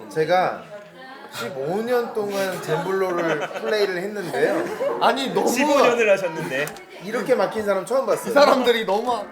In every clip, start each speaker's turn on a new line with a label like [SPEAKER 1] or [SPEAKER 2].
[SPEAKER 1] 제가 15년 동안 젠블로를 플레이를 했는데요.
[SPEAKER 2] 아니 너무
[SPEAKER 3] 15년을 하셨는데
[SPEAKER 1] 이렇게 막힌 사람 처음 봤어요.
[SPEAKER 2] 이 사람들이 너무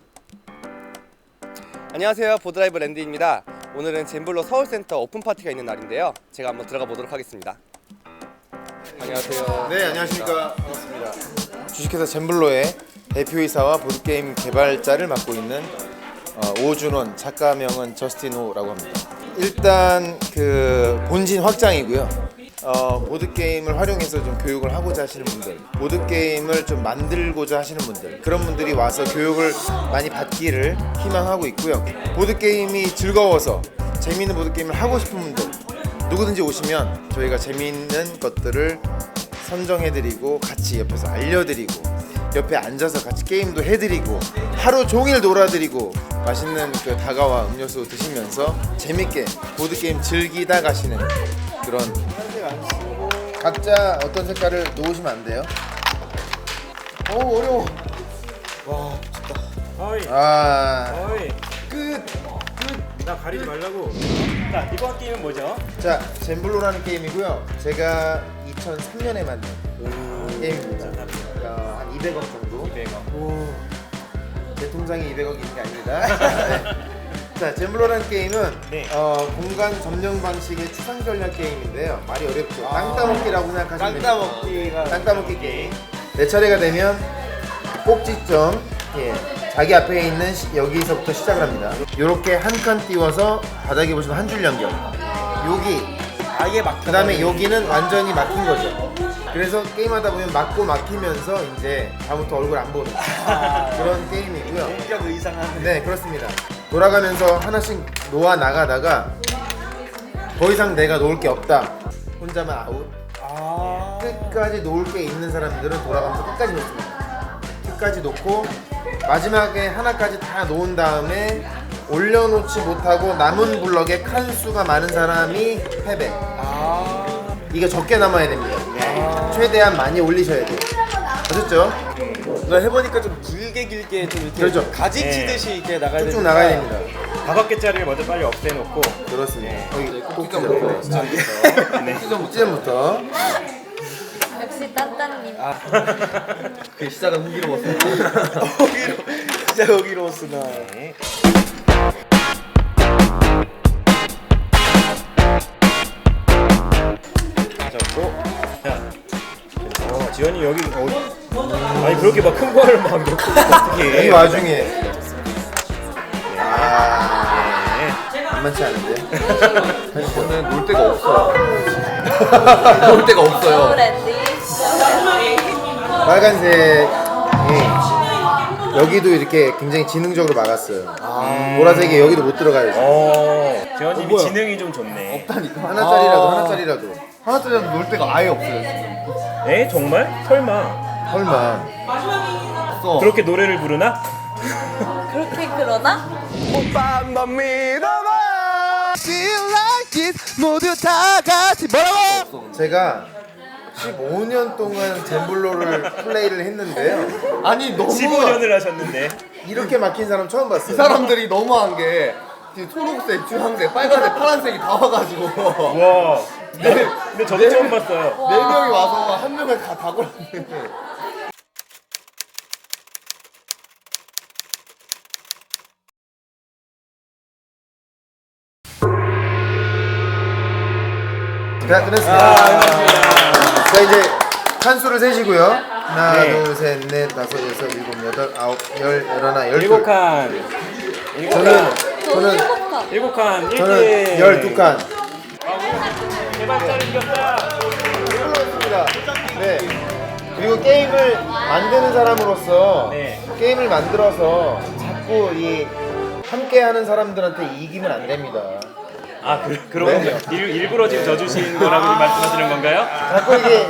[SPEAKER 4] 안녕하세요, 보드라이브 랜드입니다. 오늘은 젠블로 서울센터 오픈 파티가 있는 날인데요. 제가 한번 들어가 보도록 하겠습니다. 안녕하세요.
[SPEAKER 1] 네, 안녕하십니까. 반갑습니다. 주식회사 젠블로의 대표이사와 보드게임 개발자를 맡고 있는 오준원, 작가명은 저스틴 호라고 합니다. 일단 그 본진 확장이고요. 보드게임을 활용해서 좀 교육을 하고자 하시는 분들, 보드게임을 좀 만들고자 하시는 분들, 그런 분들이 와서 교육을 많이 받기를 희망하고 있고요. 보드게임이 즐거워서 재미있는 보드게임을 하고 싶은 분들 누구든지 오시면 저희가 재미있는 것들을 선정해드리고 같이 옆에서 알려드리고 옆에 앉아서 같이 게임도 해드리고 하루 종일 놀아드리고 맛있는 그 다가와 음료수 드시면서 재밌게 보드게임 즐기다 가시는 그런. 각자 어떤 색깔을 놓으시면 안 돼요? 어우 어려워.
[SPEAKER 3] 와 미쳤다. 어이
[SPEAKER 1] 아,
[SPEAKER 3] 끝. 나 가리지 말라고. 자 이번 게임은 뭐죠?
[SPEAKER 1] 자, 젠블로라는 게임이고요. 제가 2003년에 만든 게임입니다. 한 200억 정도.
[SPEAKER 3] 200억.
[SPEAKER 1] 제 통장에 200억이 있는 게 아닙니다. 네. 자, 젠블로라는 게임은
[SPEAKER 3] 네.
[SPEAKER 1] 공간 점령 방식의 추상 전략 게임인데요. 말이 어렵죠. 땅 따먹기라고 생각하시면 됩니다. 땅 따먹기 게임. 내 차례가 되면 꼭지점, 자기 앞에 있는 여기서부터 시작을 합니다. 이렇게 한 칸 띄워서 바닥에 보시면 한 줄 연결. 여기,
[SPEAKER 3] 아예 막.
[SPEAKER 1] 그 다음에 여기는 완전히 막힌 거죠. 그래서 게임하다 보면 막고 막히면서 이제 다음부터 얼굴 안 보는 그런 게임이고요.
[SPEAKER 3] 본격 의상하는.
[SPEAKER 1] 네, 그렇습니다. 돌아가면서 하나씩 놓아 나가다가 더 이상 내가 놓을 게 없다, 혼자만 아웃. 끝까지 놓을 게 있는 사람들은 돌아가면서 끝까지 놓습니다. 끝까지 놓고 마지막에 하나까지 다 놓은 다음에 올려놓지 못하고 남은 블럭에 칸수가 많은 사람이 패배. 이게 적게 남아야 됩니다. 최대한 많이 올리셔야 돼요. 아셨죠?
[SPEAKER 2] 나 해보니까 좀 길게 좀 이렇게
[SPEAKER 1] 그렇죠.
[SPEAKER 2] 가지 치듯이 이렇게 나가야
[SPEAKER 1] 쭉쭉
[SPEAKER 2] 되니까.
[SPEAKER 1] 나가야 됩니다.
[SPEAKER 3] 5개짜리를 먼저 빨리 없애놓고.
[SPEAKER 1] 그렇습니다. 여기
[SPEAKER 2] 꼭지점
[SPEAKER 1] 꼭지점.
[SPEAKER 3] 네.
[SPEAKER 1] 꼭지점부터.
[SPEAKER 5] 역시 딴딴님.
[SPEAKER 2] 그 시작은 호기로웠어. 진짜 호기로웠으나.
[SPEAKER 3] 네. 맞았고. 자. 지현이 여기 아니 그렇게 막 큰 거를 막 넣고 어떻게
[SPEAKER 1] 이
[SPEAKER 3] 해?
[SPEAKER 1] 와중에
[SPEAKER 3] 네.
[SPEAKER 1] 만만치 않은데.
[SPEAKER 2] 저는 놀 데가 없어요. 놀 데가 없어요.
[SPEAKER 5] 랜디.
[SPEAKER 1] 빨간색이 여기도 이렇게 굉장히 지능적으로 막았어요. 보라색이 여기도 못 들어가요.
[SPEAKER 3] 지현님이
[SPEAKER 2] 뭐야?
[SPEAKER 3] 지능이 좀 좋네.
[SPEAKER 2] 없다니까.
[SPEAKER 1] 하나짜리라도.
[SPEAKER 2] 하나짜리라도 놀 데가 아예 없어요.
[SPEAKER 3] 에 정말? 설마
[SPEAKER 1] 설마.
[SPEAKER 2] 없어.
[SPEAKER 3] 그렇게 노래를 부르나?
[SPEAKER 5] 그렇게 그러나?
[SPEAKER 2] 오빠 넌 믿어봐. Feel like it 모두 다 같이 뭐라고?
[SPEAKER 1] 제가 15년 동안 젠블로를 플레이를 했는데요.
[SPEAKER 2] 아니 너무
[SPEAKER 3] 15년을 하셨는데.
[SPEAKER 1] 이렇게 막힌 사람 처음
[SPEAKER 2] 이
[SPEAKER 1] 봤어요.
[SPEAKER 2] 사람들이 너무한 게 지금 초록색, 주황색, 빨간색, 파란색이 다 와가지고
[SPEAKER 3] 와. 근데 저도 처음 봤어요.
[SPEAKER 2] 4명이 와서 한 명을 다 골랐네.
[SPEAKER 1] 자, 끝냈습니다. 자, 이제 칸수를 세시고요. 하나,
[SPEAKER 3] 네.
[SPEAKER 1] 둘, 셋, 넷, 다섯, 여섯, 일곱, 여덟, 아홉, 열, 열하나, 열둘.
[SPEAKER 3] 7칸.
[SPEAKER 1] 저는
[SPEAKER 5] 저는 7칸.
[SPEAKER 3] 7칸.
[SPEAKER 1] 저는 12칸.
[SPEAKER 3] 개발자를 이겼다.
[SPEAKER 1] 그렇습니다. 네. 그리고 게임을 만드는 사람으로서
[SPEAKER 3] 네.
[SPEAKER 1] 게임을 만들어서 자꾸 이 함께하는 사람들한테 이기면 안 됩니다.
[SPEAKER 3] 아, 그러군요. 일부러 지금 져주신 거라고 지금 말씀하시는 건가요?
[SPEAKER 1] 자꾸 이게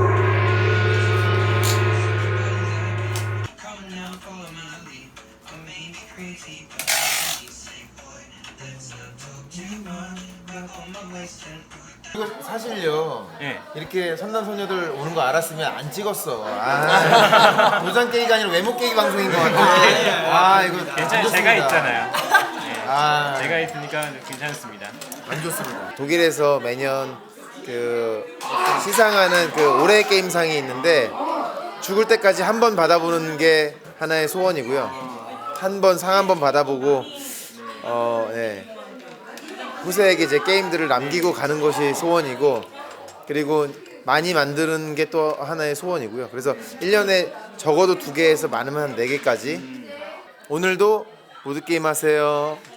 [SPEAKER 1] 이거 사실요.
[SPEAKER 3] 네.
[SPEAKER 1] 이렇게 선남선녀들 오는 거 알았으면 안 찍었어. 도장 깨기가 아니라 외모 깨기 방송인 것 같아. 이거
[SPEAKER 3] 괜찮아요. 제가
[SPEAKER 1] 좋습니다.
[SPEAKER 3] 있잖아요.
[SPEAKER 1] 아,
[SPEAKER 3] 제가 있으니까 괜찮습니다.
[SPEAKER 1] 안 좋습니다. 독일에서 매년 그 시상하는 그 올해의 게임상이 있는데 죽을 때까지 한 번 받아보는 게 하나의 소원이고요. 한 번 상 한 번 받아보고 네. 후세에게 제 게임들을 남기고 가는 것이 소원이고, 그리고 많이 만드는 게 또 하나의 소원이고요. 그래서 1년에 적어도 2개에서 많으면 한 4개까지. 오늘도 보드게임 하세요.